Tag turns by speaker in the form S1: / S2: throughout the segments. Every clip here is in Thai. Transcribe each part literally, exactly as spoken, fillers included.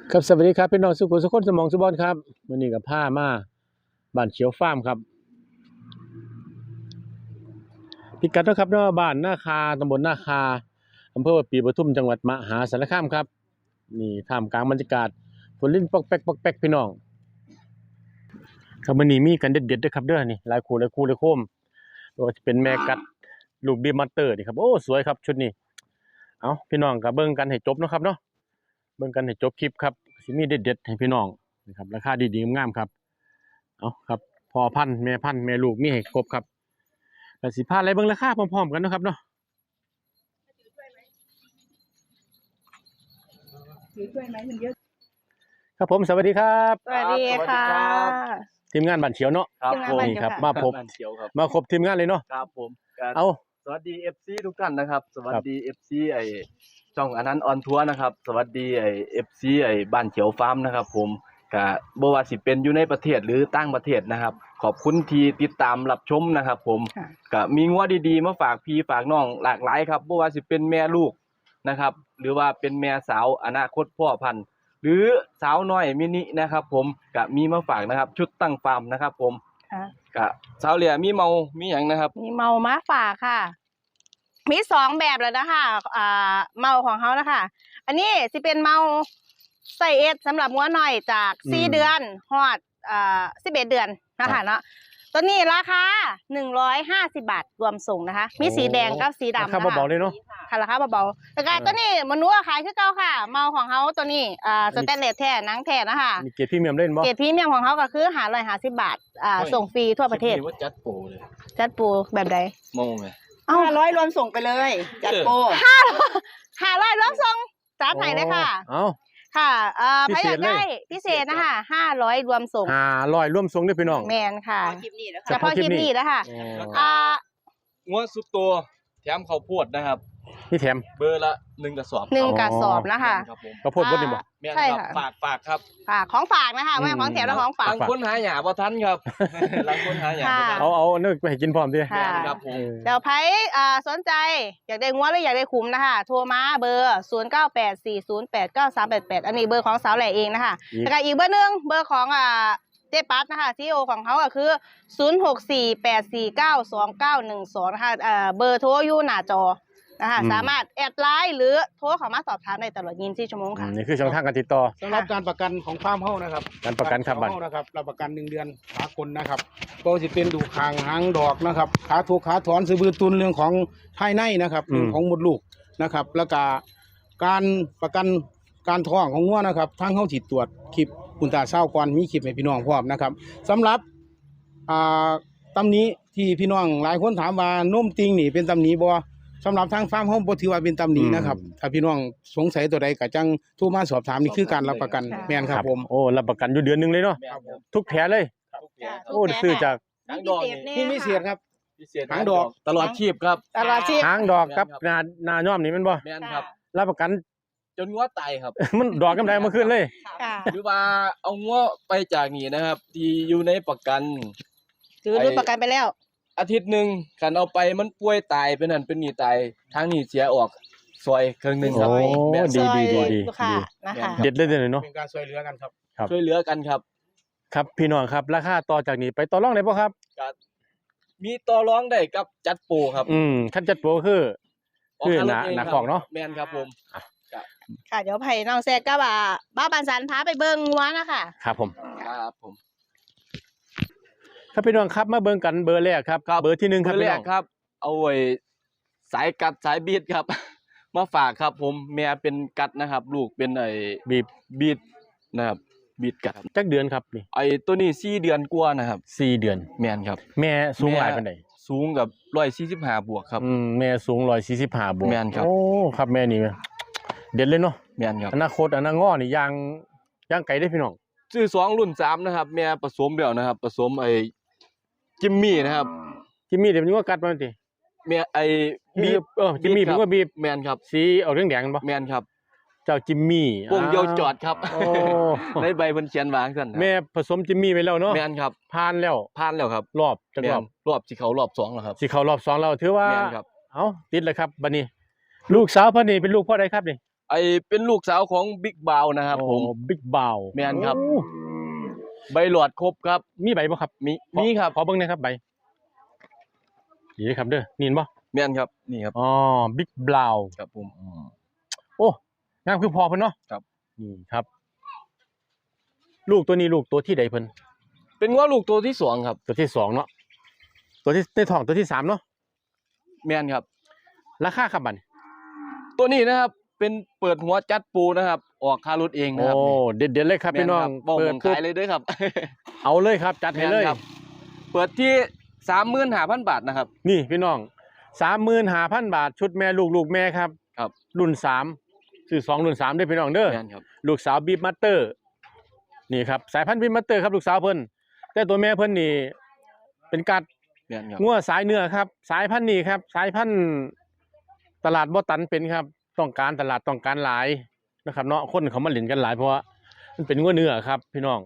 S1: ครับสวัสดีครับพี่น้องสุขุมสุขคนสมองสุบอนครับวันนี้กับผ้ามาบ้านเขียวฟาร์มครับพิกัดนะครับเนาะบ้านนาคาตำบลนาคาอำเภอปีปทุมจังหวัดมหาสารคามครับนี่ท่ามกลางบรรยากาศฝนลิ้นปอกแป๊กปอกแป๊กพี่น้องครับวันนี้มีกันเด็ดๆด้วยครับเด้อนี่หลายคู่หลายคู่หลายโคมว่าจะเป็นแม่กัดลูกบีมัตเตอร์นี่ครับโอ้สวยครับชุดนี้เอาพี่น้องกับเบิ่งกันให้จบนะครับเนาะเบิ่งกันให้จบคลิปครับสิมีเด็ดๆให้พี่น้องนะครับราคาดีๆงามๆครับเอาครับพอพันธุ์แม่พันธุ์แม่ลูกมีให้ครบครับแต่สิพาอะไรเบิ่งราคาพร้อมๆกันนะครับเนาะ
S2: ถือถ้วยไหมมันเยอะ
S1: ครับผมสวัสดีครับ
S3: สวัสดีค่ะ
S1: ทีมงานบ้านเขียวเนาะ
S3: ครับผม
S1: นี่ครับมาพบ
S4: บ้านเขียวครับ
S1: มาครบทีมงานเลยเนาะ
S4: ครับผมก็
S1: เอา
S4: สวัสดี เอฟ ซี ทุกท่านนะครับ สวัสดี เอฟ ซี ไอ้ช่องอนันต์ออนทัวร์นะครับ สวัสดีไอ้ เอฟ ซี ไอ้บ้านเขียวฟาร์มนะครับ ผมก็บ่ว่าสิเป็นอยู่ในประเทศหรือต่างประเทศนะครับ ขอบคุณที่ติดตามรับชมนะครับ ผมก็มีงัวดีๆมาฝากพี่ฝากน้องหลากหลายครับบ่ว่าสิเป็นแม่ลูกนะครับ หรือว่าเป็นแม่สาวอนาคตพ่อพันธุ์หรือสาวน้อยมินินะครับ ผมก็มีมาฝากนะครับ ชุดตั้งฟาร์มนะครับ ผม
S3: ค่ะ
S4: ก็สาวเหลี่ยมีเมามีหยังนะครับ
S3: มีเมามาฝากค่ะ มีสองแบบเลยนะคะอ่าเมาของเขานะคะ อันนี้สิเป็นเมาไซเอสสำหรับงัวหน่อยจากสี่เดือนฮอดอ่าสิบเอ็ดเดือนนะคะเนาะตัวนี้ราคาหนึ่งร้อยห้าสิบบาทรวมส่งนะคะ มีสีแดงกับสีดำ
S1: รา
S3: นะ
S1: คา
S3: คะ
S1: เบาๆเลยเนาะ
S3: ค่ะราคาเบาๆแต่การตัวนี้มนุษย์ขายคือเก่าค่ะ เมาของเขาตัวนี้อ่าสแตนเลสแท้หนังแท้นะคะ
S1: มีเกียรติพรีเมียมเล่นบ่
S3: เกรดพรีเมียมของเขาก็คือหาร้อยห้าสิบบาทอ่า
S4: โอ้ย
S3: ส่งฟรีทั่วประเทศ
S4: คิดว่าจัดโปรเลย
S3: จัดปูแบบใด
S4: โมงไง
S3: เอ้า
S2: ห้าร้อยรวมส่งไปเลยจัดโปร
S3: ห้าร้อยรวมส่งจัดให้เลยค่ะ
S1: เอา
S3: ค่ะเอ่อ
S1: พิ
S3: ใคร
S1: เศ
S3: อ
S1: ษ
S3: ยากได้
S1: เลย
S3: พิเศษนะคะห้าร้อยรวมส่ง
S1: หาลอยร่วมทรงด้วยพี่น้อง
S3: แมนค่ะ
S2: คลิปนี้นะ
S1: เฉ
S3: เฉ
S1: พาะ
S3: พาะ
S1: คลิ
S3: ค
S1: ป
S3: ลิป
S1: นี้
S3: นี้นะคะ
S1: อ๋อ
S3: อ่า
S4: งัวสุดตัวแถมข้าวโพดนะครับ
S1: นี่แถม
S4: เบอร์ละหนึ่งกระสอบ
S3: หนึ่ง
S1: อ๋อ
S3: กระสอบนะคะ
S4: ครับผม
S1: กระโพดบดนี่บ่
S4: แม่น
S3: ใช่
S4: ครับ
S3: ค่ะ
S4: ฝากฝากครับ
S3: ฝากของฝากนะคะไม่ใช่ของแถมและของฝาก
S4: บางคนหาหยาบ่ทันครับบางคนหาหยาบ่ทัน
S1: เอาเอาเนื้อไปให้กินพร้อมดิ
S3: ค่ะ
S4: ครับผม
S3: เดี๋ยวไพ่อ่าสนใจอยากได้งัวหรืออยากได้คุ้มนะคะ โทรมาเบอร์ศูนย์เก้าแปดสี่ศูนย์แปดเก้าสามแปดแปดอันนี้เบอร์ของสาวแหล่เองนะคะ
S1: อีก
S3: แล้วก็อีกเบอร์หนึ่งเบอร์ของอ่าเจ๊ปัดนะคะซีอีโอของเขาก็คือศูนย์หกสี่แปดสี่เก้าสองเก้าหนึ่งสองนะคะเอ่อเบอร์โทรอยู่หน้าจอนะคะสามารถแอดไลน์หรือโทรเข้ามาสอบถามได้ตลอดยี่สิบสี่ชั่วโมง
S1: อื
S3: ค่ะ
S1: มนี่คือช่องทางการติดต่อ
S5: สำหรับการประกันของฟาร์มเฮ้านะครับ
S1: การประกันครับบัตร
S5: เฮ้านะครับรับประกันหนึ่งเดือนสากลนะครับก็จะเป็นดูคางหางดอกนะครับขาถูกขาถอนสืบือตุนเรื่องของภายในนะครับ
S1: อืม
S5: เรื่องของมดลูกนะครับ แล้วก็การประกันการท้องของงัวนะครับทางเฮ้าจิตตรวจคลิปอุลตราเศร้าก่อนมีคลิปให้พี่น้องพร้อมนะครับสำหรับอ่าตำหนี้ที่พี่น้องหลายคนถามว่านมติงนี่เป็นตำหนี้บ่สำหรับทางฟาร์มเฮ้าบ่ถือว่าเป็นตำหนี้นะครับถ้าพี่น้องสงสัยตัวใดก็จังโทรมาสอบถามนี่คือการรับประกัน
S3: ค่ะ
S5: แม่นครับผม
S1: โอ้รับประกันอยู่เดือนหนึงเลยเนาะ
S4: แม่นครับ
S1: ทุกแผลเลย
S4: ทุกแผลครับ
S1: โอ้ซื้อจาก
S4: หางดอกนี่
S5: นี่มีเสียครับ
S4: พิเศษ
S5: หางดอก
S4: ตลอดชีพครับ
S3: ตลอดชีพ
S1: หางดอกกับหนาหนาย่อมนี่แมันบ่
S4: แม่นครับ
S1: รับประกัน
S4: จนงัวตายครับ
S1: มันดอกกำไรมาขึ้นเลย
S3: ค่ะ
S4: หรือว่าเอางัวไปจากนี่นะครับ ที่อยู่ในประกัน
S3: ถือรุ่นประกันไปแล้ว
S4: อาทิตย์หนึ่งคันเอาไปมันป่วยตายเป็นนั่นเป็นนี่ตายทางนี้เสียออกซอยครึ่งหนึงครับ
S1: โอ้
S4: แม่น
S1: ดี
S3: ซอย
S1: ดีดีดี
S3: ลูกค้านะคะ
S1: เด็ดเลยเดี๋ยวเนาะ
S5: เป็นการช่วยเหลือกันครับ
S1: ครับ
S4: ช่วยเหลือกันครับ
S1: ครับพี่น้องครับราคาต่อจากนี้ไปต่อรองได้บ่ครับ
S4: มีต่อรองได้กับจัดโปรครับ
S1: อืมขั้นจัดโปรคือ
S4: ออก
S1: คือ
S4: ค่าร
S1: ห
S4: ถ
S1: นา
S4: เอง
S1: หนา
S4: ครับ
S1: ของเนาะ
S4: แม่นครับผม
S3: ค่ะเดี๋ยวไผ่น้องแซกก็ว่าบ้าปันสันพาไปเบิ่งงัวนะคะ
S1: ครับผม
S4: ครับผม
S1: ครับพี่น้องครับมาเบิ่งกันเบอร์แรกครับเบอร์ที่หนึ่งครับ
S4: เบอร์
S1: พี่
S4: แร
S1: น้
S4: ก
S1: อง
S4: ครับ เอาไว้สายกัดสายบีดครับ มาฝากครับ ผมแม่เป็นกัดนะครับ ลูกเป็นไอ้
S1: บีบ
S4: บีดนะครับบีดกัดครับ
S1: จักเดือนครับนี่
S4: ไอ้ตัวนี้สี่เดือนกว่านะครับ
S1: สี่เดือน
S4: แม่นครับ
S1: แม่สูงหลาย
S4: แม่
S1: ปานใด
S4: สูงกับร้อยสี่สิบห้าบวกครับ
S1: อืมแม่สูงร้อยสี่สิบห้าบวก
S4: แม่นครับ
S1: โอ้ครับแม่นี่เด็ดเลยเนาะ
S4: แม่นครับ
S1: อนาคตอนาคตง้อนี่ยางยางไก่ได้พี่น้อง
S4: ซื้อสองรุ่นสามนะครับ แม่ผสมแล้วนะครับ ผสมไอ้จิมมี่นะครับ
S1: จิมมี่เดี๋ยวมันก็กัดมันติ
S4: แม่ไอ้
S1: บี
S4: บี
S1: บเออจิมมี่
S4: ค
S1: ผ
S4: รั
S1: ม
S4: บ
S1: ก็บีบ
S4: แม่นครับ
S1: สีเอาเรื่องแดงกันปะ
S4: แม่นครับ
S1: เจ้าจิมมี่
S4: วงเดียวจอดครับ
S1: โอ้
S4: ในใบเพิ่นเขียนวางซั่นครับ
S1: แม่ผสมจิมมี่ไปแล้วเนาะ
S4: แม่นครับ
S1: ผ่านแล้ว
S4: ผ่านแล้วครับ
S1: รอบจัก
S4: แม่
S1: รอน บ
S4: รอบสิเขารอบสองแล้วครับ
S1: สิเข้ารอบสองแล้วถือว่า
S4: แม่นครับ
S1: เอ้าติดเลยครับบัดนี้ ลูกสาวเพิ่นนี่เป็นลูกพ่อใดครับนี่
S4: ไอเป็นลูกสาวของบิ๊กบาวนะครับผม
S1: บิ๊กบาว
S4: แม่นครับ ใบหลอดครบครับ
S1: มีใบบ่ครับ
S4: มีมีครับ
S1: ขอเบิ่งหน่อยครับใบนี่ครับเด้อนี่เห็นบ่
S4: แม่นครับนี่ครับ
S1: อ๋อบิ๊กบาว
S4: ครับผม
S1: โอ้งามคือพอเพิ่นเนาะ
S4: ครับ
S1: นี่ครับ ลูกตัวนี้ลูกตัวที่ใดเพิ่น
S4: เป็นว่าลูกตัวที่สองครับ
S1: ตัวที่สองเนาะตัวที่ในท้องตัวที่สามเนาะ
S4: แม่นครับ
S1: ราคาครับบัดนี้
S4: ตัวนี้นะครับเป็นเปิดหัวจัดปูนะครับ ออกค่ารถเองนะครับ
S1: โอ้เด็ดๆเลยครับ
S4: แม่
S1: พี่
S4: น
S1: น้อ
S4: ค
S1: ง
S4: รับบอก
S1: เปิ
S4: ผ
S1: ด
S4: ม
S1: ปุ๊บ
S4: ขายเลยเด้วยครับ
S1: เอาเลยครับ จัดให้เลย
S4: แม่นครับเปิดที่ สามหมื่นห้าพัน บาทนะครับ
S1: นี่พี่น้อง สามหมื่นห้าพัน บาทชุดแม่ลูกลูกแม่ครับ
S4: ครับ
S1: รุ่นสามซื้อสองรุ่นสามเด้อพี่น้องเด้อ
S4: แม่นครับ
S1: ลูกสาวบีบมัตเตอร์นี่ครับสายพันธุ์บีบมัตเตอร์ครับลูกสาวเพิ่นแต่ตัวแม่เพิ่นนี่เป็นกัด
S4: แม่นครับ
S1: งัวสายเนื้อครับ สายพันธุ์นี้ครับ สายพันธุ์ตลาดบ่ตันเป็นครับ ต้องการตลาดต้องการหลายนะครับเนาะคนเขามาเล่นกันหลายเพราะว่ามันเป็นงัวเนื้อครับ พี่น้อง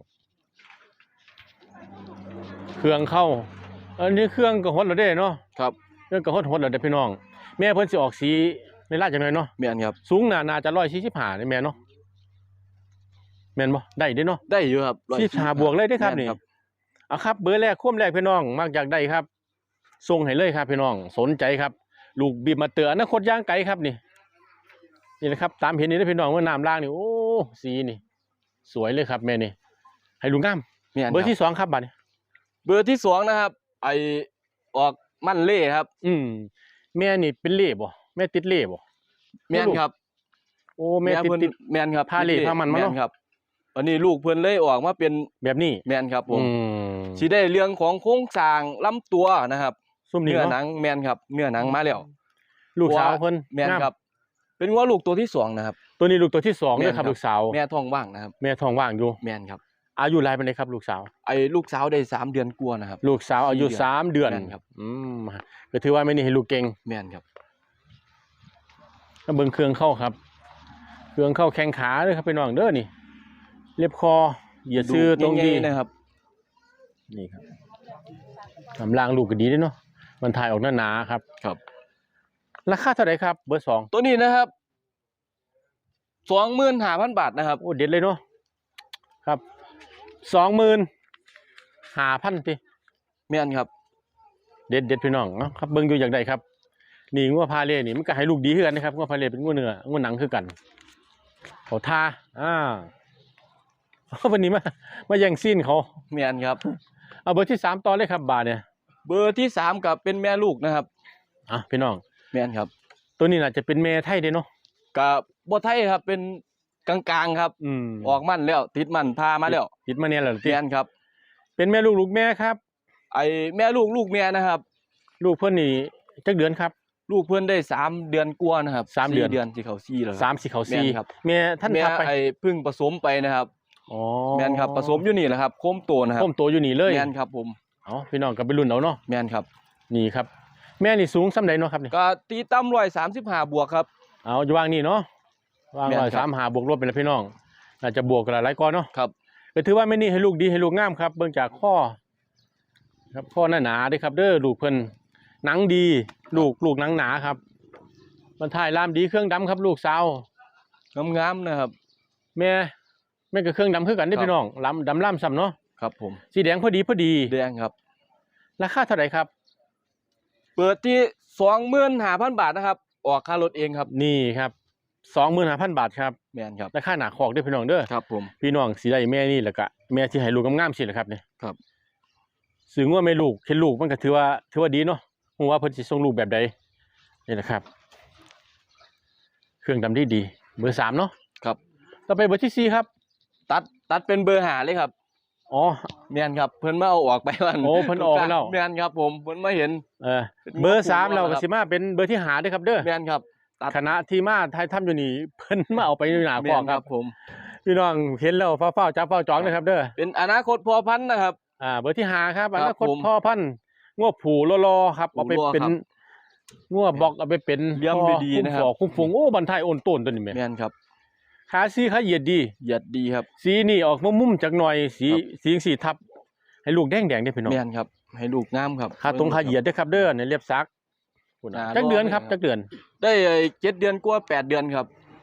S1: เครื่องเข้าอันนี้เครื่องก็ฮดแล้วเด้เนาะ
S4: ครับ
S1: เครื่องก็ฮดฮดแล้วเด้พี่น้อง แม่เพิ่นสิออกสีในลาดจังได๋เนาะ
S4: แม่นครับ
S1: สูงน่าน่าจะหนึ่งร้อยสี่สิบห้านี่แม่นเนาะแม่นบ่ได้เด้เนาะ
S4: ได้อยู่ครับ
S1: สี่สิบห้าบวกเลยเด้อครับ
S4: แม่
S1: นี่
S4: ครับ
S1: เอาครับเบอร์แรกควมแรกพี่น้องมักอยากได้ครับส่งให้เลยครับพี่น้องสนใจครับ ลูกบีบมาเตืออนาคตย่างไกลครับนี่นี่นะครับ ตามเห็นนี่นะพี่น้องว่าน้ำล่างนี่โอ้สีนี่ สวยเลยครับแม่นี่ให้ลุงงาม
S4: แม่น
S1: เบอร์
S4: ครับ
S1: ที่สองครับบัดนี้
S4: เบอร์ที่สองนะครับ ไอออกมั่นเล่ครับ
S1: อืมแม่นี่เป็นเล่บ่แม่ติดเล่บ่
S4: แม่นครับ
S1: โอ้แม่ติด
S4: เพิ่น
S1: ติด
S4: แม่นครับ
S1: พาเล่พามันมาเนอะ
S4: แครับวันนี้ลูกเพิ่นเลยออกมาเป็น
S1: แบบนี้
S4: แม่นครับผม
S1: อืม
S4: สิได้เรื่องของโครงสร้างลำตัวนะครับ
S1: ซุ่มนี่
S4: เนื้อหนั
S1: เนาะ
S4: งแม่นครับเนื้อหนังมาแล้ว
S1: ลูกสาวเพิ่น
S4: แม่น
S1: งาม
S4: ครับ เป็นว่าลูกตัวที่สองนะครับ
S1: ตัวนี้ลูกตัวที่สอง
S4: แม่น
S1: เลยครับ
S4: ครับ
S1: ลูกสาว
S4: แม่ท้องว่างนะครับ
S1: แม่ท้องว่างอยู่
S4: แม่นครับ
S1: อายุรายเป็นไงครับ ลูกสาว
S4: ไอ้ลูกสาวได้สามเดือนกว่านะครับ
S1: ลูกสาวอายุ
S4: สี่เดือน
S1: สามเดือน
S4: แม่นครับ
S1: อืมก็ถือว่าไม่นี่ให้ลูกเก่ง
S4: แม่นครับ
S1: ก็เบิ่งเครื่องเข้าครับ เครื่องเข้าแข้งขาเลยครับพี่น้องเด้อนี่ เล็บคอเหยียดซื้อตรงดี
S4: ใหญ่ๆนะครับ
S1: นี่ครับกำลังลูกก็ดีด้วยเนาะมันถ่ายออกหนาๆครับ
S4: ครับ
S1: ราคาเท่าไหร่ครับ เบอร์สอง
S4: ตัวนี้นะครับสองหมื่นห้าพันบาทนะครับ
S1: โอ้เด็ดเลยเนาะครับสองหมื่นห้าพันที
S4: แม่นครับ
S1: เด็ดเด็ดพี่น้องเนาะครับเบิ่งอยู่อย่างใดครับ นี่งัวพาเล่นี่มันก็ให้ลูกดีคือกันนะครับงัวพาเล่เป็นงัวเนื้องัวหนังคือกันเขาทาอ่า วันนี้มามาแย่งซีนเขา
S4: แม่นครับ
S1: เอาเบอร์ที่สามต่อเลยครับบาทเนี่ย
S4: เบอร์ที่สามกับเป็นแม่ลูกนะครับ
S1: อ่ะพี่น้อง
S4: แม่นครับ
S1: ตัวนี้น่าจะเป็นแม่ไทยเด้เนาะ
S4: กับบ่ไทยครับเป็นกลางๆครับ
S1: อืม
S4: ออกมั่นแล้ว ติดมั่นพามาแล้ว
S1: ติดมาเนี่ยแหละติ
S4: แม่นครับ
S1: เป็นแม่ลูกลูกแม่ครับ
S4: ไอ้แม่ลูกลูกแม่นะครับ
S1: ลูกเพิ่นนี่จักเดือนครับ
S4: ลูกเพิ่นได้สามเดือนกว่านะครับ
S1: สามเดือน
S4: เดือนสิเข้าสี่แล้วครับ
S1: สามสี่เขา
S4: แม่
S1: สี่
S4: นครับ
S1: แม่ท่าน
S4: แม่
S1: ทับไป
S4: ไอ้เพึ่งผสมไปนะครับ
S1: อ๋อ
S4: แม่นครับผสมอยู่นี่แหละครับโคมโตนะครับ
S1: ต้มโตอยู่นี่เลย
S4: แม่นครับผม
S1: เอาพี่น้องกับไปรุ่นเอาเนาะ
S4: แม่นครับ
S1: นี่ครับ แม่นี่สูงส่ำใดเนาะครับนี่
S4: ก็ตีต่ำร้อยสามสิบห้าบวกครับ
S1: เอาอยู่วางนี่เนาะวาง
S4: แม่น
S1: ร้อย
S4: ครั
S1: สาม
S4: บ
S1: หาบวกลบเป็นละพี่น้องน่าจะบวกกันหลายก้อนเนาะ
S4: ครับ
S1: ก็ถือว่าแม่นี่ให้ลูกดีให้ลูกงามครับเบิ่งจากข้อ ครับข้อหนาหนาๆเด้อครับเด้อลูกเพิ่นหนังดี ลูกลูกหนังหนาครับมันถ่ายลามดีเครื่องดำครับ ลูกสาว
S4: งามๆนะครับ
S1: แม่แม่ก็เครื่องดำคือกันเด้อ
S4: ครับ
S1: พี่น้องลำดำล่ำซ้ำเนาะ
S4: ครับผม
S1: สีแดงพอดีพอดี
S4: แดงครับ
S1: ราคาเท่าไหร่ครับ
S4: เปิดที่สองหมื่นห้าพันบาทนะครับ ออกค่ารถเองครับ
S1: นี่ครับสองหมื่นห้าพันบาทครับ
S4: แม่นครับ
S1: ราคาหนาคอกเด้อพี่น้องเด้อ
S4: ครับผม
S1: พี่น้องสีได้แม่นี่แหละก็แม่ที่ให้ลูกงามๆสิแหละครับเนี่ย
S4: ครับ
S1: สึงว่าแม่ลูกเห็นลูกมันก็ถือว่าถือว่าดีเนาะฮู้ว่าเพิ่นสิส่งลูกแบบใดนี่แหละครับ เครื่องดำดีดีเบอร์สามเนาะ
S4: ครับ
S1: ต่อไปเบอร์ที่สี่ครับ
S4: ตัดตัดเป็นเบอร์หาเลยครับ
S1: อ๋อ
S4: แม่นครับ เพิ่นมาเอาออกไปวัน
S1: โอ้เพิ่นออกไปแล้ว
S4: แม่นครับผมเพิ่นมาเห็น
S1: เออเบอร์สามเราก็สิมาเป็นเบอร์ที่หาเด้อครับเด้อ
S4: แม่นครับ ตัด
S1: คณะที่มาไทยทำอยู่นี่เพิ่นมาเอาไปอยู่หน้าค
S4: แม่
S1: อก
S4: น
S1: ค
S4: ค
S1: รั
S4: รับ บผม
S1: พี่น้องเห็นแล้วฟ้าเฝ้าจับเฝ้าจ้องนะครับเด้อ
S4: เป็นอนาคตพอพันธุ์นะครับ
S1: อ่าเบอร์ที่หาครับ
S4: ครั
S1: อบ นาคต
S4: ผม
S1: พ่อพันธุ์งัวผูรอๆครับเอาไป
S4: ผูรอ
S1: เป็น
S4: ครับ
S1: งัวบอกเอาไปเป็น
S4: เลี้ยงดีๆนะครับ
S1: คุ้มฟอกคุ้มฟงโอ้บันทายโอนต้นตัวนี้แม่
S4: แม่นครับ
S1: ขาสีขาเหยียดดี
S4: เหยียดดีครับ
S1: สีนี่ออกมุมๆจักหน่อยสี
S4: ครับ
S1: สีสีทับ ให้ลูกแดงๆได้อพี่น้อง
S4: แม่นครับ ให้ลูกงามครับ
S1: ขาตรงขาเหยียดเด้อครับเด้อในเรียบซักพุ่นน่ะ
S4: อ่า
S1: จักเดือน
S4: รอไว้
S1: ครับ
S4: ครับ
S1: จักเดือน
S4: ได้เจ็ดเดือนกว่าแปดเดือนครับ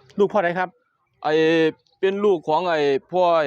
S1: ลูกพ่อใดครับ
S4: ไอเป็นลูกของไอพ่อไอ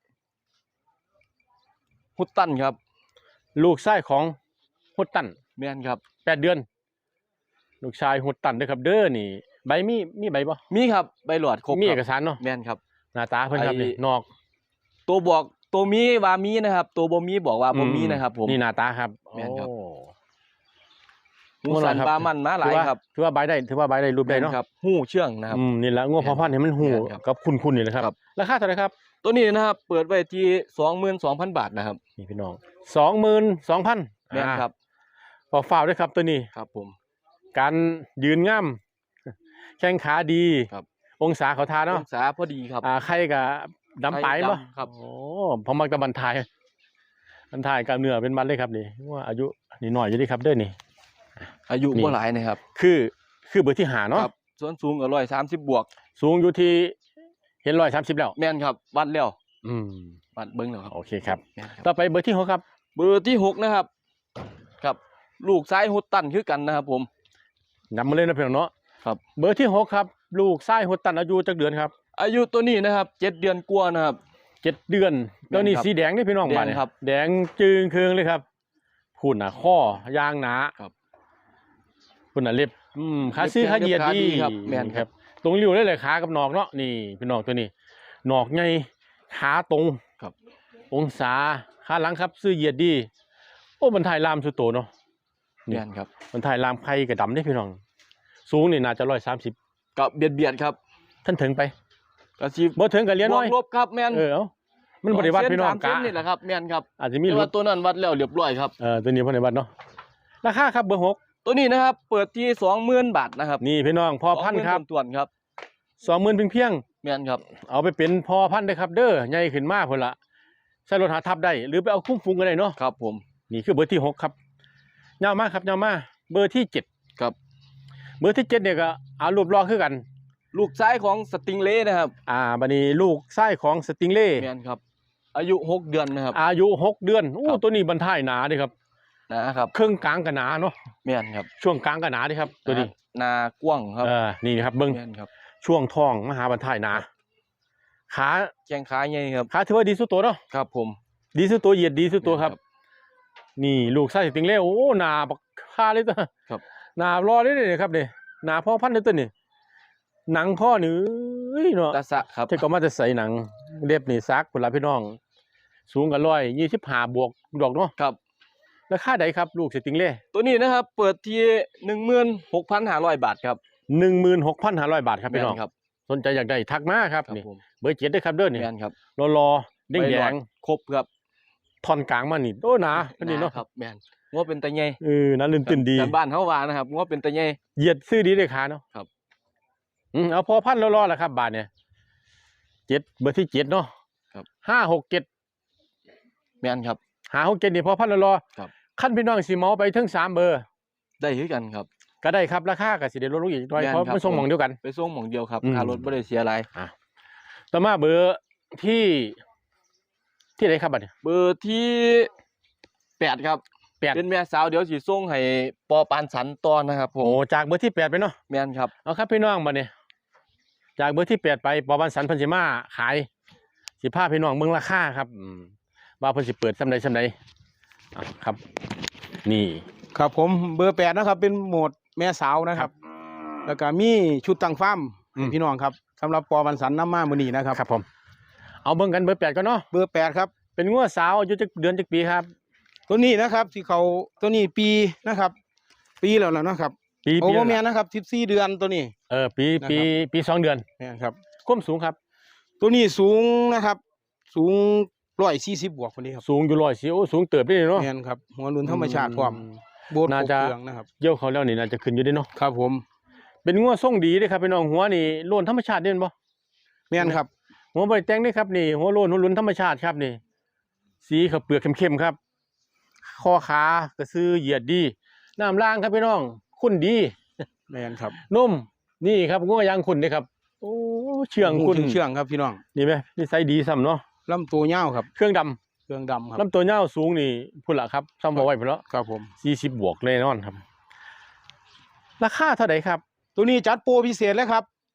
S4: ฮุตตันครับ
S1: ลูกชายของฮุดตัน
S4: แม่นครับ
S1: แปดเดือน ลูกชายฮุดตันเด้อครับเด้อนี่ ใบมีมีใบบ่
S4: มีครับใบหลอดครบ
S1: มี
S4: ค
S1: เอ
S4: รับ
S1: กสารเนาะ
S4: แม่นครับ
S1: หน้าตาเพิ่นครับ
S4: ไอ้
S1: นี่นอก
S4: ตัวบอกตัวมีว่ามีนะครับ ตัวบ่มีบอกว่าบ่มี
S1: อื
S4: นะครับ ผม
S1: นี่หน้าตาครับ
S4: แม่นครับ
S1: โอ้
S4: หูสัน
S1: ครับ
S4: บามันมาหลายครับ
S1: ถือว่าใบได้ถือว่าใบได้รูปได้เนาะ
S4: แม่ครับหูเชื่องนะครับ
S1: อืมนี่แหละงัวพอพันธุ์ให้มันหู
S4: แม่นครับ
S1: กับคุณๆนี่แหละครับ
S4: ครับ
S1: ราคาเท่าไหร่ครับ
S4: ตัวนี้นะครับ เปิดไว้ที่ สองหมื่นสองพัน บาทนะครับ
S1: นี่พี่น้อง สองหมื่นสองพัน
S4: แม่นครับ
S1: ขอฝากด้วยครับตัวนี้
S4: ครับผม
S1: การยืนง่ามแข้งขาดี
S4: ครับ
S1: องศาเขาทา
S4: อ
S1: เนาะ
S4: งศาพอดีครับ
S1: อ่าไข่กับดำไป
S4: ไข่
S1: บ่
S4: ดำครับ
S1: โอ้พอมักตะบันทายบันทายกับเนื้อเป็นมันเลยครับนี่ว่าอายุนี่หน่อยอยู่ดีครับเด้อนี่
S4: อายุ
S1: นี่
S4: บ่หลายนะครับ
S1: คือคือเบอร์ที่หาเนาะ
S4: ครับส่วนสูงก็ร้อยสามสิบบวก
S1: สูงอยู่ที่เห็นร้อยสามสิบแล้ว
S4: แม่นครับวัดแล้ว
S1: อืม
S4: วัดเบิ่งแล้วครับ
S1: โอเคครับ
S4: แม่นครับ
S1: ต่อไปเบอร์ที่หกครับ
S4: เบอร์ที่หกนะครับ ครับ ลูกซ้ายฮุตตันคือกันนะครับผม
S1: นำมาเลยนะเพื่อนเนาะ
S4: ครับ
S1: เบอร์ที่หกครับ ลูกไส้หัวตันอายุจักเดือนครับ
S4: อายุตัวนี้นะครับเจ็ดเดือนกว่านะครับ
S1: เจ็ดเดือนแล้วนี่
S4: แม่นครับ
S1: สีแดงนี่พี่น้อง
S4: แดง
S1: บ้านเนี่ย
S4: ครับ
S1: แดงจึงเคืองเลยครับพุ่นน่ะข้อยางหนา
S4: ครับ
S1: พุ่นน่ะเล็บอืมขาซื้อ
S4: เล็บ
S1: ขาเหยียด
S4: เล็บขา
S1: ดี
S4: ดีครับแม่นครับ
S1: ตรงริ้วเลยเลยขากับนอกเนาะนี่พี่น้องตัวนี้นอกใหญ่ขาตรง
S4: ครับ
S1: องศาขาหลังครับซื้อเหยียดดีโอ้มันถ่ายลามสุดโตเนาะ นี่
S4: แม่นครับ
S1: มันถ่ายลามไข่กับดำได้พี่น้อง สูงนี่น่าจะร้อยสามสิบ
S4: กับเบียดเบียดครับ
S1: ท่านถึงไป
S4: กระชี
S1: บ่ถึงกับเลี้ย
S4: บ
S1: น้
S4: ว
S1: อก ย
S4: ลบครับแม่น
S1: เออเอ้ามันบริวัติพี่น้อง
S4: สามเส้
S1: กะ
S4: นนี่แหละครับแม่นครับ
S1: อาจจะมี
S4: แต่
S1: ร
S4: ว่า
S1: ถ
S4: ตัวนั้นวัดแล้วเรียบร้อยครับ
S1: เออตัวนี้พ่อในวัดเนาะราคาครับเบอร์หก
S4: ตัวนี้นะครับ เปิดที่สองหมื่นบาทนะครับ
S1: นี่พี่น้องพ่อพันธุ์ครับ
S4: ส่วนๆครับ
S1: สองหมื่นเพียงเพียง
S4: แม่นครับ
S1: ๆเอาไปเป็นพ่อพันธุ์ได้ครับ เด้อใหญ่ขึ้นมากพุ่นละใส่รถหาทับได้ หรือไปเอาคุ้มฟุงก็ได้เนาะ
S4: ครับผม
S1: นี่คือเบอร์ที่หกครับยาวมากครับยาวมากเบอร์ที่เจ็ด
S4: ครับ
S1: เบอร์ที่เจ็ดเนี่ยก็เอารูปรอคือกัน
S4: ลูกซ้ายของสติงเล่นะครับ
S1: อ่าบัดนี้ลูกไส้ของสติงเล่
S4: แม่นครับ อายุหกเดือนนะครับ
S1: อายุหกเดือนโอ้
S4: ครับ
S1: ตัวนี้บรรทายหนาเดิครับ
S4: นะครับ
S1: ครึ่งกลางกับหนาเนาะ
S4: แม่นครับ
S1: ช่วงกลางกับหนาเดิครับ ตัวนี้
S4: นากว้างครับ
S1: เออนี่ครับเบิ้ง
S4: แม่นครับ
S1: ช่วงท้องมหาบรรทายหนาขา
S4: แข้งขาใหญ่ครับ
S1: ขาถือว่าดีสุดตัวเนาะ
S4: ครับผม
S1: ดีสุดตัวเหยียดดีสุดตัวครับ
S4: แม่น
S1: นี่ลูกไส้สติงเล่โอ้หนาบักค่าเลยตัว
S4: ครับ
S1: หนารอได้เลยครับเนี่ยหนาพ่อพันธุ์เลยตัวนี่หนังพ่อนี่เอ้ยเนาะ
S4: ตาสะครับ
S1: เท่าก็มาจะใส่หนังเรียบนี่ซักคนละพี่น้อง สูงกันร้อยยี่สิบห้าบวกดอกเนาะ
S4: ครับ
S1: ราคาใดครับลูกสติงเล่
S4: ตัวนี้นะครับ เปิดที่หนึ่งหมื่นหกพันห้าร้อยบาทครับ
S1: หนึ่งหมื่นหกพันห้าร้อยบาทครับพี่น้อง
S4: แม่ครับ
S1: สนใจอยากได้ทักมาครับ
S4: ครับ
S1: นี่
S4: ผม
S1: เบอร์เจ็ดด้วยครับเด้อนี่
S4: แม่นครับ
S1: รอรอๆเด้ง
S4: ใบ
S1: แด
S4: หลอด
S1: ง
S4: ครบครับ
S1: ท่อนกลางมานี่โอ้หนาอันนี้เนาะ
S4: ครับแม่นงอเป็นตะใหญ่
S1: เออนั่นลื่นตื่นดี
S4: แต่บ้านเฮาว่านะครับงอเป็นตะใหญ่
S1: เหยียดซื้อดีเลยขาเนาะ
S4: ครับ
S1: อืมเอาพอพันรอรอๆแหละครับบาทเนี่ยเจ็ดเบอร์ที่เจ็ดเนาะ
S4: ครับ
S1: ห้าหกเจ็ด
S4: แม่นครับ
S1: หาหกเจ็ดนี่พอพันรอรอๆ
S4: ครับ
S1: ขั้นพี่น้องสีเมาไปถึงสามเบอร์
S4: ได้คือกันครับ
S1: ก็ได้ครับราคากับสิเดลดลงอีกหน่อย
S4: แม่น
S1: เพราะ
S4: ครับ
S1: มันส่งหมองเดียวกัน
S4: ไปส่งหม่องเดียวครับ
S1: อืม
S4: ค่ารถบ่ได้เสียอะไร
S1: ต่อมาเบอร์ที่ที่ไหนครับบัดนี้
S4: เบอร์ที่แปดครับ
S1: แปด
S4: เป็นแม่สาวเดี๋ยวสิส่งให้ปอปานสันต่อนะครับผ
S1: โอ้
S4: ม
S1: จากเบอร์ที่แปดไปเนาะ
S4: แม่นครับ
S1: เอาครับพี่น้องบัดนี้จากเบอร์ที่แปดไปปอบันสันเพันสิมาขายสิผ้าพี่น้องเมืองราคาครับอืมว่าเพิ่นสิเปิดซำใดซำใดอ่ะครับ นี่
S5: ครับผมเบอร์แปดนะครับ เป็นโหมดแม่สาวนะครับ แล้วก็มีชุดตั้งฟาร์มให้พี่น้องครับสำหรับปอบันสันน้ำมามือนีนะครับ
S1: ครับผม เอาเบิ่งกันเบอร์แปดก่อนเนาะ
S5: เบอร์แปดครับ
S1: เป็นงัวสาวอายุจักเดือนจักปีครับ
S5: ตัวนี้นะครับที่เขาตัวนี้ปีนะครับ ปีแล้วแล้วนะครับ
S1: ปี
S5: โอ้
S1: ปี
S5: โห
S1: ละ
S5: แม่นะครับสิบสี่เดือนตัวนี้
S1: เออปี
S5: นะครับ
S1: ปีปีสองเดือน
S5: แม่นครับ
S1: ความสูงครับ
S5: ตัวนี้สูงนะครับ สูงร้อยสี่สิบบวกคนนี้ครับ
S1: สูงอยู่ร้อยสิโอ้สูงเติบได้เนาะ
S5: แม่นครับหัวหลุนธรรมชาติพร้อมโบสถ์
S1: น่า
S5: ครบ
S1: จะ
S5: เครื่องนะครับ
S1: เยี่ยวเขาแล้วนี่น่าจะขึ้นอยู่เด้เนาะ
S5: ครับผม
S1: เป็นงัวทรงดีเด้ครับพี่น้องหัวนี่โลนธรรมชาติเด่นบ่
S5: แม่นครับ
S1: หัวบ่ได้แต่งเด้ครับนี่หัวโลนหัวหลุนธรรมชาติครับนี่ สีเขาวเปลือกเข้มๆครับคอขากระซื้อเหยียดดีน้ำล่างครับพี่น้องขุ่นดี
S5: แม่นครับ
S1: นุ่มนี่ครับงัวยางขุ่นเด้ครับโอ้เชื่อง
S5: หู
S1: ขุ่น
S5: เชื่องครับพี่น้อง
S1: นี่ไหมนี่ไซส์ดีซ้ำเนาะ
S5: ลำตัวยาวครับ
S1: เครื่องดำ
S5: เครื่องดำครับ
S1: ลำตัวยาวสูงนี่พุ่นละครับซ้ำบ่ไหวพุ่นแล้ว
S5: ครับผม
S1: สี่สิบบวกแน่นอนครับ ราคาเท่าไหร่ครับ
S5: ตัวนี้จัดโปรพิเศษเลยครับ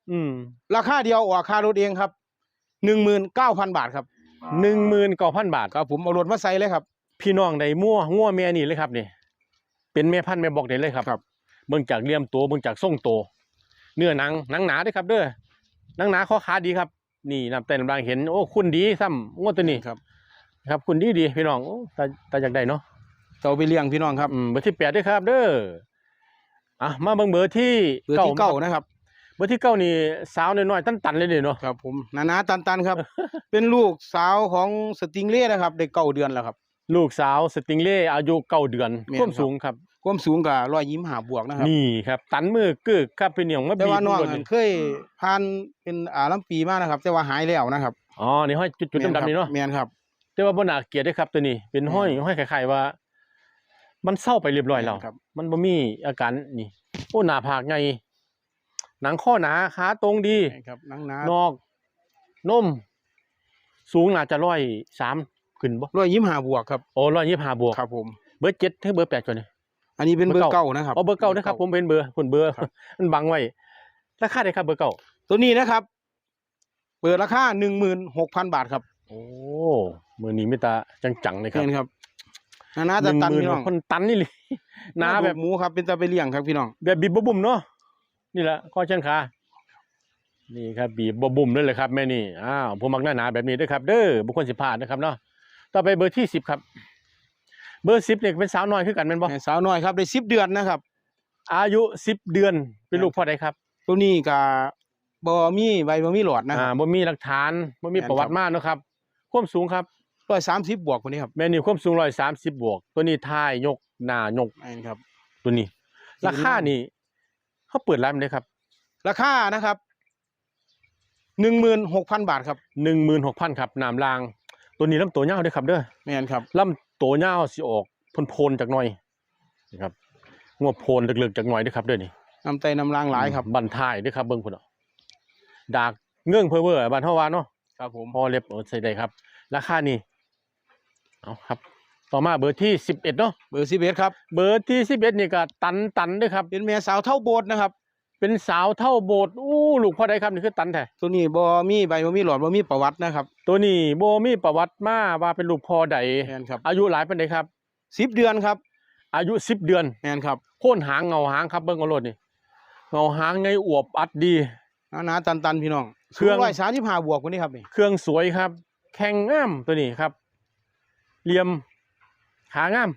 S1: อืม
S5: ราคาเดียวออกค่ารถเองครับหนึ่งหมื่นเก้าพันบาทครับ
S1: หนึ่งหมื่นเก้าพันบาท
S5: ครับผมเอารถมาใส่เลยครับ
S1: พี่น้องได้มั่วงัวแม่นี่เลยครับนี่เป็นแม่พันธุ์แม่บอกได้เลยครับ
S5: ครับ
S1: เบิ่งจากเหลี่ยมตัวเบิ่งจากทรงตัวเนื้อหนังหนังหนาเด้อครับ เด้อหนังหนาข้อขาดีครับ นี่น้ำเต้นกำลังเห็นโอ้คุณดีซ้ำงวดตัวนี้
S5: ครับ
S1: ครับคุณดีดีพี่น้องโอ้ตาตาอยากได้เนาะ
S5: เอาไปเลี้ยงพี่น้องครับ
S1: อืมเบอร์ที่แปดด้วยครับ เด้ออ่ะมาเบิ่งเบอร์ที่
S5: เบอร์ที่เก้านะครับ
S1: เบอร์ที่เก้านี่สาวน้อยๆตันๆเลยเนาะ
S5: ครับผมนานาตันตันครับ เป็นลูกสาวของสติงเล่นะครับได้เก้าเดือนแล้วครับ
S1: ลูกสาวสติงเล่อายุเก้าเดือน
S5: แม่น
S1: ความ
S5: ครับ
S1: สูงครับ
S5: ความสูงกับร้อยยิ้มหาบวกนะครับ
S1: นี่ครับ ตันมือกึกครับเป็นเหนียวมา
S5: แต่
S1: บีบ
S5: ว่าน้อง
S1: ตัว
S5: อั
S1: นี่
S5: นเคยผ่านเป็นอ่าลำปีมานะครับ แต่ว่าหายแล้วนะครับ
S1: อ๋อนี่ห้อยจุดๆดำๆนี่เนาะ
S5: แมนครับ
S1: แต่ว่าบ่น่าเกลียดเด้อครับตัวนี้ เป็นห้อยห้อยคล้ายๆว่า มันเศร้าไปเรียบร้อยแล้ว
S5: ครับ
S1: มันบ่มีอาการนี่โอ้หน้าผากใหญ่หนังข้อหนาขาตรงดี
S5: แม่นครับนังนาน
S1: อกนม สูงน่าจะร้อยสามขึ้นบ่
S5: ร้อยยิ้มหาบวกครับ
S1: โอ้ร้อยยี่สิบห้าบวก
S5: ครับผม
S1: เบอร์เจ็ดถึงเบอร์แปดก่อนนี่
S5: อันนี้เป็นเบอร์เก้านะครับ
S1: อ๋อเบอร์เก้านะครับ ผมเป็นเบอร์คนเบอร์
S5: ครับ
S1: มันบังไว้ราคาได้ครับเบอร์เก้า
S5: ตัวนี้นะครับ เปิดราคาหนึ่งหมื่นหกพันบาทครับ
S1: โอ้มือนี้ไม่ตาจังๆเลยครับ
S5: เห็นครับนานาตันตัน
S1: หงหมื่
S5: พี่น้อง
S1: คนตันนี่เลยหนาแบบ
S5: หมูครับเป็นตาไปเลี้ยงครับพี่น้อง
S1: แบบบีบบ่บุ่มเนาะนี่แหละข้อเชิญขานี่ครับบีบบ่บุ่มเลยเลยครับแม่นี่อ้าวผมมักหน้าหนาแบบนี้ด้วยครับ เด้อบุคคลสิพลาดนะครับเนาะต่อไปเบอร์ที่สิบครับ เบอร์สิบเนี่ยเป็นสาวน้อยคือกันแม่นบ่
S5: แม่สาวน้อยครับได้สิบเดือนนะครับ
S1: อายุสิบเดือนเป็นลูกพ่อใดครับ
S5: ตัวนี้กับบอมีใบบอมีหลอดนะค
S1: อ่า
S5: รับ
S1: บ่มีหลักฐานบ่มี
S5: แม่น
S1: ประวัติ
S5: ครับ
S1: มาเนาะครับความสูงครับ
S5: ร้อยสามสิบบวกคนนี้ครับ
S1: แม่นี่ความสูงร้อยสามสิบบวก ตัวนี้ท้ายยกหน้ายก
S5: อันครับ
S1: ตัวนี้
S5: สี
S1: ราคานี่เขาเปิดร้านเลยครับ
S5: ราคานะครับหนึ่งหมื่นหกพันบาทครับ
S1: หนึ่งหมื่นหกพันครับน้ำราง ตัวนี้ลำตัวยาวด้วยครับเด้อ
S5: แม่นครับ
S1: ลำตัวยาวสิออกโพนๆจากหน่อยนะครับงวโพนลึกๆจากหน่อยด้วยครับเด้อนี่
S5: น้ำไตน้ำลางหลายครับ
S1: บันท้ายด้วยครับเบิ่งพุ่นเอาดากเงื่องเพอเวอร์บันเฮาว่าเนาะ
S5: ครับผม
S1: พอเล็บเอาใส่ได้ครับ ราคานี่เอาครับ ต่อมาเบอร์ที่สิบเอ็ดเนาะ
S5: เบอร์สิบเอ็ดครับ
S1: เบอร์ที่สิบเอ็ดนี่ก็ตันตันด้วยครับ
S5: เป็นแม่สาวเท่าโบสถ์นะครับ
S1: เป็นสาวเท่าโบสถ์อู้ลูกพ่อใดครับนี่คือตันแท้
S5: ตัวนี้บอมีใบบอมีหลอดบอมีประวัตินะครับ
S1: ตัวนี้โบมีประวัติมาว่าเป็นลูกพ่อใด
S5: แม่นครับ
S1: อายุหลายปานใดครับ
S5: สิบเดือนครับ
S1: อายุสิบเดือน
S5: แม่นครับ
S1: โค่นหางเงาหางครับเบิ่งเอาโลดนี่เงาหางไงอวบอัดดี
S5: นานาตันตันพี่น้อง
S1: เครื่อง
S5: ร้อยสามสิบห้าบวกคนนี้ครับนี่
S1: เครื่องสวยครับ แข็งงามตัวนี้ครับเหลี่ยมขางาม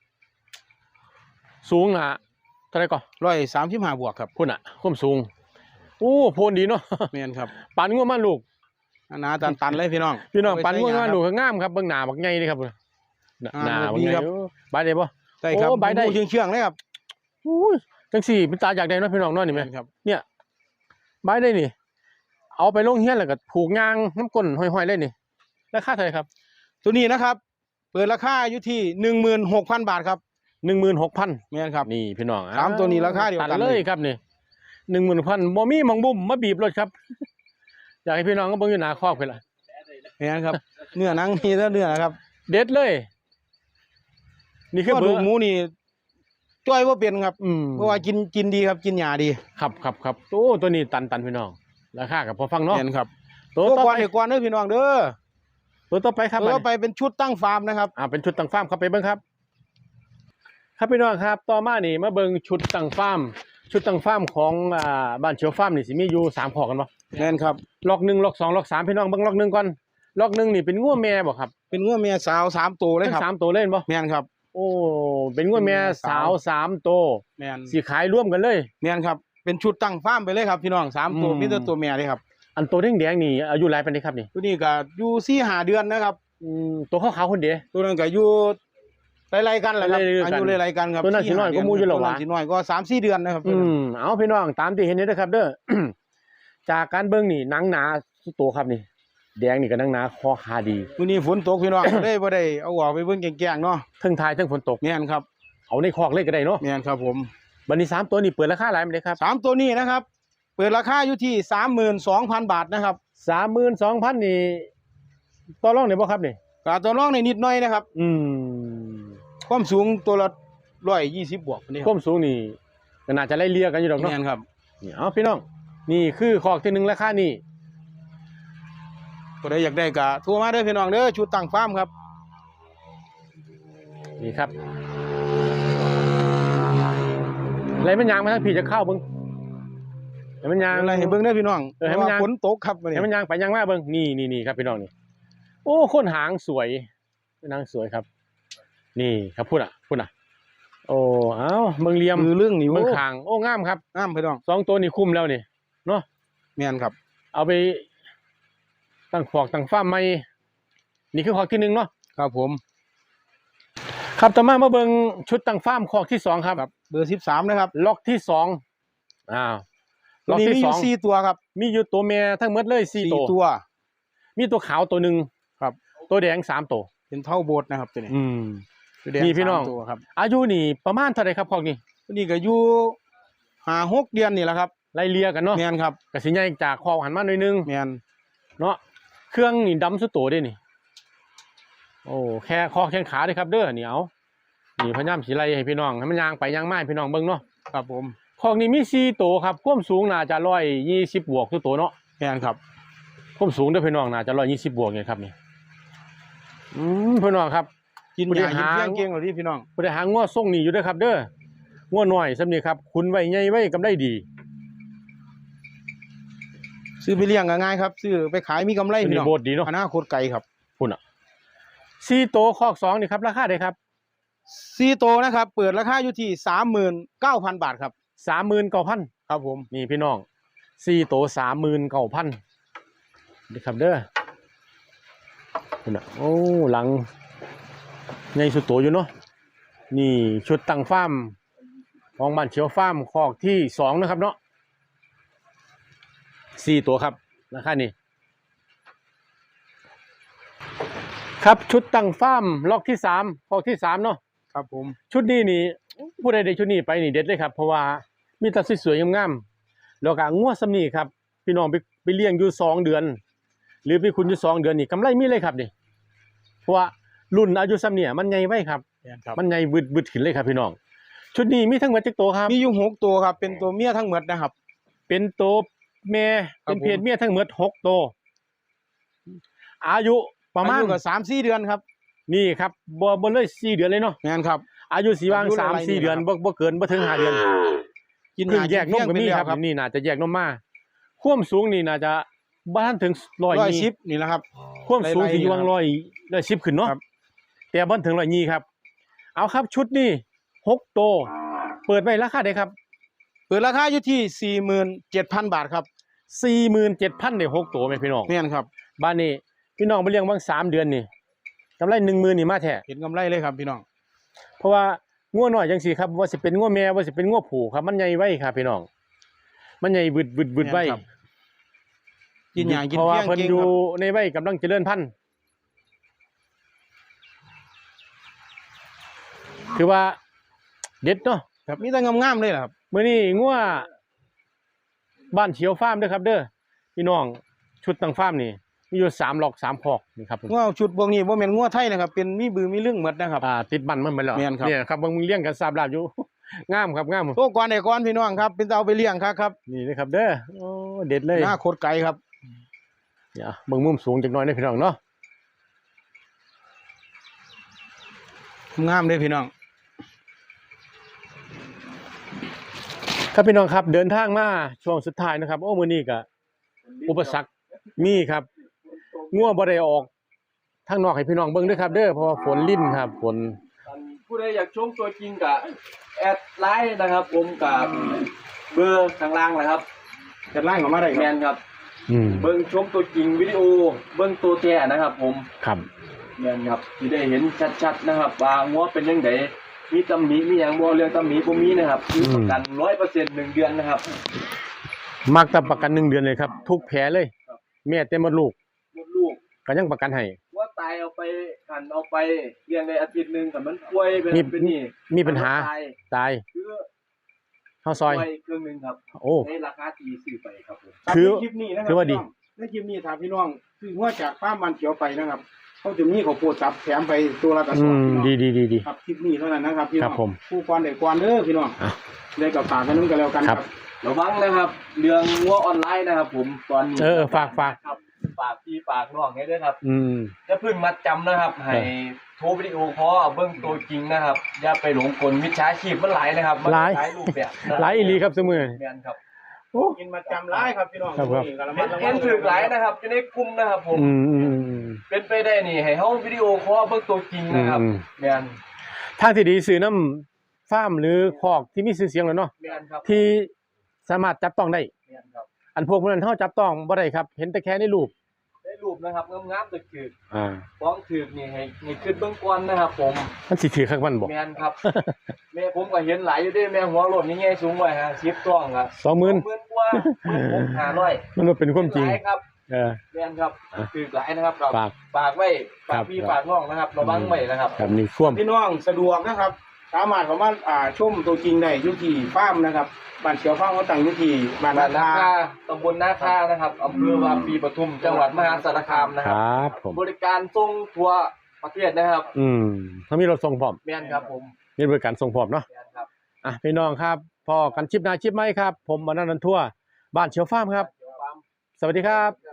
S1: สูงอ่ะเท่าไหรก่อน
S5: ร้อยสามสิบห้าบวกครับ
S1: พุ่นอ่ะความสูงโอ้โพนดีเนาะ
S5: แม่นครับ
S1: ปันงัวมันลูก
S5: นานาตันตันเลยพี่น้อง
S1: พี่น้องปันงัว
S5: เอาไป
S1: มัน
S5: ใช้
S1: ลูก
S5: งา
S1: ก็งามครับเบิ่งหน้าบักใหญ่นี่ครับหน้า
S5: อ่า
S1: หน้าบัก
S5: ดี
S1: ใหญ่
S5: ครับ
S1: โอ้บายได้บ่
S5: ได้ครับ
S1: โอ้ใบได้
S5: เชื่องเชื่องๆเลยครับ
S1: อุ้ยจังสี่เป็นตาอยากได้เนาะพี่น้องเนาะนี่แม่
S5: แม่นครับ
S1: เนี่ยบายได้นี่ เอาไปลงเฮียนแล้วก็ผูกยางน้ำก้นห้อยๆเลยนี่ราคาเท่าไหร่ครับ
S5: ตัวนี้นะครับ เปิดราคาอยู่ที่หนึ่งหมื่นหกพันบาทครับ
S1: หนึ่งหมื่นหกพัน
S5: แม่นครับ
S1: นี่พี่น้อง
S5: สามตัวนี้ราคาเดียวกัน
S1: ตัเลยครับนี่หนึ่งหมื่นพันบ่มีหมองบุ่มมาบีบรถครับ อยากให้พี่น้องก็เบิ่งอยู่หน้าคอกเพิ่นล่ะ
S5: แม่นครับ เนื้อหนังมีแต่เนื้อนะครับ
S1: เด็ดเลย นี่คือ
S5: ก็
S1: เบ
S5: ดู
S1: อร์
S5: หมูนี่จ้อยว่าเป็นครับ
S1: อืม
S5: เพราะว่ากินกินดีครับกินหญ้าดี
S1: ครับครับครับโอ้ตัวนี้ตันตันพี่น้องราคากับพอฟังเนาะ
S5: แม่นครับ
S1: ตัว
S5: ตัว
S1: ต่อ
S5: ก่อน
S1: ไป
S5: เดี๋ยวก่อนเด้อพี่น้องเด้อ
S1: ตัวต่อไปครับ
S5: ตัว
S1: อัน
S5: ต่อ
S1: นี้
S5: ไปเป็นชุดตั้งฟาร์มนะครับ
S1: อ่าเป็นชุดตั้งฟาร์มครับไปเบิ่งครับ ครับพี่น้องครับต่อมานี่มาเบิ่งชุดตั้งฟาร์มชุดตั้งฟาร์มของอ่าบ้านเฉียวฟาร์มนี่สิมีอยู่สามข้อกันบ่
S5: แม่นครับ
S1: ล็อกหนึ่งล็อกสองล็อกสามพี่น้องเบิ่งล็อกหนึ่งก่อนล็อกหนึ่งนี่เป็นงัวแม่บ่ครับ
S5: เป็นงัวเมียสาวสามตัวเลย
S1: ทั้ง
S5: ครับ
S1: สามตัวเล่นบ่
S5: แม่นครับ
S1: โอ้เป็นงัวแม่สาวสามตัว
S5: แม่น
S1: สิขายร่วมกันเลย
S5: แม่นครับเป็นชุดตั้งฟาร์มไปเลยครับพี่น้องสามตัว
S1: อืม
S5: มีแต่ตัวเมียเลยครับ
S1: อันตัวแดงๆนี่อายุหลายปานใดครับนี่
S5: ตัวนี้ก็อยู่สี่ห้าเดือนนะครับ
S1: อืมตัวขาวๆคนเดียว
S5: ตัวนั้นก็อยู่ไล่ๆกันแหละครับ
S1: ไล่ๆกัน
S5: อายุไล่ๆกันครับ
S1: ตัวนั้นสิน้อยกว่าหมู่อยู่หรอวะ
S5: ตัวนั้นสิน้อยก็สามสี่เดือนนะครับ
S1: อืมเอาพี่น้องตามที่เห็นนี่นะครับ เด้อ จากการเบิ่งนี่หนังหนาสุดโตครับนี่ แดงนี่ก็หนังหนาคอขาดี
S5: วันนี้ฝนตกพี่น้อง ได้บ่ได้เอาออกไปเบิ่งแกงๆเนาะ
S1: เทั้งทายเทั้งฝนตก
S5: แม่นครับ
S1: เอาในคอกเลยก็ได้เนาะ
S5: แม่นครับผม
S1: วันนี้สามตัวนี่เปิดราคาหลายมั้ยครับ
S5: สามตัวนี้นะครับ เปิดราคาอยู่ที่สามหมื่นสองพันบาทนะครับ
S1: สามหมื่นสองพันนี่ต่อรองได้บ่ครับนี่
S5: กาตัวน้องในนิดหน่อยนะครับ
S1: อืม
S5: ความสูงตัวละร้อยยี่สิบบวกนี่
S1: ความสูงนี่ก็น่าจะไล่เลี่ยกันอยู่ดอกเนาะ
S5: แม่นครับ
S1: นี่เอาพี่น้องนี่คือคอกที่หนึ่งราคานี่
S5: ก็ได้อยากได้ก็โทรมาเด้อพี่น้องเด้อชุดตั้งฟาร์มครับ
S1: นี่ครับอะไรมันยางมาทั้งผีจะเข้าเบิ้งให้มันยาง
S5: อะไรให้เบิ่งเด้อพี่น้อง
S1: เออให้มันยาง
S5: ฝนตกครับวันนี้
S1: ให้มันยางไปยางมาเบิ้งนี่นี่นี่ครับพี่น้องนี่โอ้คนหางสวยนางสวยครับ นี่ครับพูดอ่ะพูดอ่ะโอ้เอ้าเมืองเหลียม
S5: มือเรื่องนี่
S1: เมื
S5: โอ้
S1: องขางโอ้งามครับ
S5: งามพี่น้อง
S1: สองตัวนี่คุ้มแล้วนี่เนาะ
S5: แม่นครับ
S1: เอาไปตั้งขอกตั้งฟาร์มใหม่นี่คือขอกที่หนึ่งเนาะ
S5: ครับผม
S1: ครับต่อมามาเบิ่งชุดตั้งฟาร์มขอกที่สองครับ
S5: ครับเบอร์สิบสามนะครับ
S1: ล็อกที่สองอ้าว
S5: ตัว
S1: ล็อก
S5: นี้
S1: ที่
S5: มีอ
S1: สอยู่ ง
S5: สี่ตัวครับ
S1: มีอยู่ตัวเมียทั้งหมดเลยสี่
S5: สี่
S1: ตัว
S5: ตัว
S1: มีตัวขาวตัวหนึ่ง
S5: ครับ
S1: ตัวแดงสามตัว
S5: เป็นเท่าโบสถ์นะครับตัวนี้
S1: อืม
S5: ตัวแดง
S1: นี่พี่น้อง
S5: สามตัวครับ
S1: อายุนี่ประมาณเท่าไหรครับขอกนี้
S5: ตัวนี้ก็อยู่ห้าหกเดือนนี่แหละครับ
S1: ไล่เลียกันเนาะ
S5: แม่นครับ
S1: กสิใหญ่จากขอกหันมาหน่อยนึง
S5: แม่น
S1: เนาะเครื่องนี่ดำสุดโต่งเด้นี่ โอ้แค่คอแข้งขาเด้ครับ เด้อนี่เอานี่พยายามสิไล่ให้พี่น้องให้มันย่างไปย่างมาให้พี่น้องเบิ่งเนาะ
S5: ครับผม
S1: ขอกนี้มีสี่ตัวครับความสูงน่าจะร้อยยี่สิบบวกทุกตัวเนาะ
S5: แม่นครับ
S1: ความสูงเด้อพี่น้องน่าจะร้อยยี่สิบบวกเนี่ยครับนี่อืมพี่น้องครับ
S5: กิน
S1: ผู้
S5: ยา
S1: บริ
S5: กิน
S1: หาร
S5: เพียงเก่งเหรอที่พี่น้อง
S1: บ่ได้หาง้อส่งนี่อยู่เด้อครับ เด้อง้อน้อยซำนี่ครับคุณไว้ใหญ่ไว้กำไรดี
S5: ซื้อไปเลี้ยงก็ง่ายครับซื้อไปขายมีกำไร
S1: ตัว
S5: พี่
S1: นี้
S5: น้อง
S1: โบดดีเนาะ
S5: อนาคตไกลครับ
S1: พุ่นอ่ะสี่ตัวคอกสองนี่ครับราคาเด้ครับ
S5: สี่ตัวนะครับ เปิดราคาอยู่ที่สามหมื่นเก้าพันบาทครับ
S1: สามหมื่นเก้าพัน
S5: ครับผม
S1: นี่พี่น้องสี่ตัวสามหมื่นเก้าพันนี่ครับเด้อพุ่นอ่ะโอ้หลังใหญ่สุดโตอยู่เนาะนี่ชุดตั้งฟาร์มของบ้านเขียวฟาร์มคอกที่สองนะครับเนาะสี่ตัวครับราคานี้ครับชุดตั้งฟาร์มล็อกที่สามคอกที่สามเนาะ
S5: ครับผม
S1: ชุดนี้นี่ผู้ใดได้ชุดนี้ไปนี่เด็ดเลยครับเพราะว่ามีแตัสวยๆงามๆแล้วก็งัวสำนีครับพี่น้องไปไปเลี้ยงอยู่สองเดือน หรือไปคุณอยู่สองเดือนนี่กำไรมีเลยครับนี่เพราะว่ารุ่นอายุสำเนี่ยมันใหญ่ไว้ครับ
S5: แม่นครับ
S1: มันใหญ่บึดบึดขึ้นเลยครับพี่น้องชุดนี้มีทั้งหมดจักตัวครับ
S5: มีอยู่หกตัวครับ เป็นตัวเมียทั้งหมดนะครับ
S1: เป็นตัวแม่
S5: ครั
S1: เป็
S5: บ
S1: นเพศ
S5: ผม
S1: เมียทั้งหมดหกตัวอายุประมาณ
S5: อายุก็สามสี่เดือนครับ
S1: นี่ครับบ่บ่เลยสี่เดือนเลยเนาะ
S5: แม่นครับ
S1: อายุสีวาง
S5: อายุ
S1: สาม
S5: หลายๆ
S1: สี่
S5: นี่
S1: เดือน
S5: นะครับ
S1: บ่บ่เกินบ่ถึงห้าเดือน
S5: กิน
S1: เพิ่ง
S5: หา
S1: แยกนมก็มี
S5: เที่ยง
S1: ครับ
S5: เป็นแล้ว
S1: นี่น่าจะแยกนมมาความสูงนี่น่าจะบ้านถึงร้อย
S5: ร้อย
S1: ยี่
S5: ชิปนี่แหละครับ
S1: ความสูง
S5: ไล่ๆ
S1: ที่อยู่วาง
S5: นี่
S1: ร้อยร้อยสิบขึ้นเนาะ
S5: ครับ
S1: แต่บ้านถึงร้อยยี่ครับ เอาครับชุดนี้หกโตวเปิดไว้ราคาได้ครับ
S5: เปิดราคาอยู่ที่สี่หมื่นเจ็ดพันบาทครับ
S1: สี่หมื่นเจ็ดพันได้หกตัวไหมพี่น้อง
S5: แม่นครับ
S1: บ้านนี้พี่น้องไปเลี้ยงบางสามเดือนนี่กำไรหนึ่งหมื่นนี่มาแท้
S5: เห็นกำไรเลยครับพี่น้อง
S1: เพราะว่างัวน้อยจังสี่ครับว่าสิเป็นงัวแม่ว่าสิเป็นงัวผูครับมันใหญ่ไว้ครับพี่น้อง มันใหญ่บึดบึดบึดไว้
S5: แม่นครับ กินหยากิน
S1: เพราะว่า
S5: เพียง
S1: เพิ่น
S5: เก่ง
S1: อยู่
S5: ครับ
S1: ในวัยกำลังเจริญพันธุ์คือว่าเด็ดเนาะ
S5: ครับมีแต่งามๆเลยล่ะครับ
S1: มื้อนี้งัวบ้านเขียวฟาร์มเด้อครับ เด้อพี่น้องชุดตั้งฟาร์มนี่มีอยู่สามหลอกสามคอกนี่ครับผม
S5: งัวชุดพวกนี้บ่แม่นงัวไทยนะครับ เป็นมีบือมีเรื่องหมดนะครับ
S1: อ่าติดบันมันไปแล้ว
S5: แม่นครับ
S1: เนี่ยครับเบิ่งมึงเลี้ยงกันทราบลาบอยู่ งามครับงาม
S5: โตก่อนได้ก่อนพี่น้องครับ เป็นเอาไปเลี้ยงครับครับ
S1: นี่นะครับ เด้อโอ้เด็ดเลย
S5: หน้าโคตรไกลครับ
S1: เดี๋ยวเบิ่งมุมสูงจักหน่อยนะพี่น้องเนาะ
S5: งามเลยพี่น้อง
S1: ครับพี่น้องครับเดินทางมาช่วงสุดท้ายนะครับโอ้มื้อนี้ก็อุปสรรคมีครับงัวบ่ได้ออกทางนอกให้พี่น้องเบิ่งเด้อครับ เด้อเพราะว่าฝนลิ่นครับฝน
S4: ผู้ใดอยากชมตัวจริงกับแอดไลน์นะครับ ผมกับเบอร์ข้างล่างนะครับ
S5: จะไล่ออกมาได้ค
S4: แม
S5: รับ
S4: นครับ
S1: อืม
S4: เบิ้งชมตัวจริงวิดีโอเบิ้งตัวแท้นะครับ ผม
S1: ครับ
S4: แมนครับที่ได้เห็นชัดๆนะครับว่างัวเป็นยังไงมีตำหนิมีอย่างบ่เรื่องตำหนิบ่มีนะครับมีประกัน ร้อยเปอร์เซ็นต์ หนึ่งเดือนนะครับ
S1: มักแต่ประกันหนึ่งเดือนเลยครับ ทุกแผลเลย
S4: ครับ
S1: แม่เต็มหมดลูก
S4: หมดลูก
S1: ก็ยังประกันให้
S4: ว่าตายเอาไปกันเอาไปเลี้ยงได้อาทิตย์หนึงแต่มันป่วยเป็น
S1: มี
S4: เป็นนี่
S1: มีปัญหา
S4: ตาย
S1: ตาย
S4: คือ
S1: เข้าซอย
S4: ป่วยเครื่องหนึงครับ
S1: โอ้
S4: ในราคาที่ซื้อไปครับผม
S1: คือ
S5: ในคลิปนี้นะครั
S1: ถือว่าดี
S5: พี่น้องในคลิปนี้ถามพี่น้องคืองัวจากฟาร์มมันเขียวไปนะครับเขาจะมีข้าวโพดสับแถมไปตัวละกระส
S1: อื
S5: อบ
S1: ม
S5: พี่น้อง
S1: ดีดีดีดี
S5: ครับคลิปนี้เท่านั้นนะครับพี่น้
S1: ครั
S5: อง
S1: บผม
S5: ผู้กวนเด็กกวนเด้อพี่น้อง
S1: อ่ะ
S5: ได้กับฝากกันนึงกันแล้วกัน
S1: ค
S5: ค
S1: รั
S5: รับ บ
S4: ระวังนะครับเรื่องงัวออนไลน์นะครับ ผมตอนนี้
S1: เออฝากฝาก
S4: ครับฝากพี่ฝากน้องให้ด้วยครับ
S1: อืม
S4: อย่าเพิ่งมัดจำนะครับ ให้โทรวิดีโอคอลเอาเบิ่งตัวจริงนะครับ อย่าไปหลงกลมิจฉาชีพมันหลายนะครับมัน
S1: หลาย
S4: หลายรูปแบบนะ
S1: หลายอีหลีครับซุมื้อ
S4: แม่นครับ
S1: โอ้
S5: กินมาจำร้ายครับพี่น้อง
S1: ครับครับ
S5: นี่ก็ระ
S4: เห็
S5: มัด
S4: น
S5: ระวั
S4: เห็
S5: ง
S4: นถึกหลายนะครับอยู่ในกลุ่มนะครับ ผม
S1: อืมอืมอืม
S4: เป็นไปได้นี่ให้เฮาวิดีโอคอลเบิ่งตัวจริงนะครับ
S1: อืม
S4: แม่น
S1: ทางที่ดีซื้อน้ำฟาร์มหรือคอกที่มีชื่อเสียงแล้วเนาะ
S4: แม่นครับ
S1: ที่สามารถจับต้องได้
S4: แม่นครับ
S1: อันพวกพวกนั้นเฮาจับต้องบ่ได้ครับ เห็นแต่แค่ในรูป
S4: ได้รูปนะครับงามๆตึก
S1: อ่า
S4: ๆฟ้องถึกนี่ให้ให้ขึ้นเบื้องก่อนนะครับ ผม
S1: มันสิถือข้างมันบ่
S4: แม่นครับ แม่ผมก็เห็นหลายอยู่เด้แม่หัวโลดนี่ไงสูงไว้ฮะสิบต้องอ่ะ
S1: สองหมื่น
S4: หมื่นกว่าหมื่นหกห้าร้อย
S1: มันบ่เป็นความจริง
S4: หลายครับ
S1: เออ
S4: แม่นครับ
S1: อ่ะ
S4: ถึกหลายนะครับเรา
S1: ฝาก
S4: ฝากไว้
S1: ครั
S4: ฝาก
S1: บ
S4: พี่ฝากน้องนะครับระวังไว้นะครับ
S1: ครับนี่ท่วม
S5: พี่น้องสะดวกนะครับ สามารถเข้ามาอ่าชมตัวจริงได้อยู่ที่ฟาร์มนะครับบ้านเขียวฟาร์มเขาตั้งอยู่ที่บ้าน
S4: บ้า
S5: นา
S4: นา
S5: คา
S4: คาตำบลนาคานะครับอำเภอวาปีปทุมจังหวัดมหาสารคามนะ
S1: ค
S4: ครับ
S1: รับผม
S4: บริการส่งทั่วประเทศนะครับ
S1: อืมเขามีรถส่งพร้อม
S4: แม่นครับผม
S1: มีบริการส่งพร้อมเนาะ
S4: แม่นครับ
S1: อ่ะพี่น้องครับพอกันชิปหน้าชิปไหมครับ ผมอนันต์ทั่วบ้านเชียวฟาร์มครับ
S4: เดี๋ยวความ
S1: สวัสดีครับ
S4: ค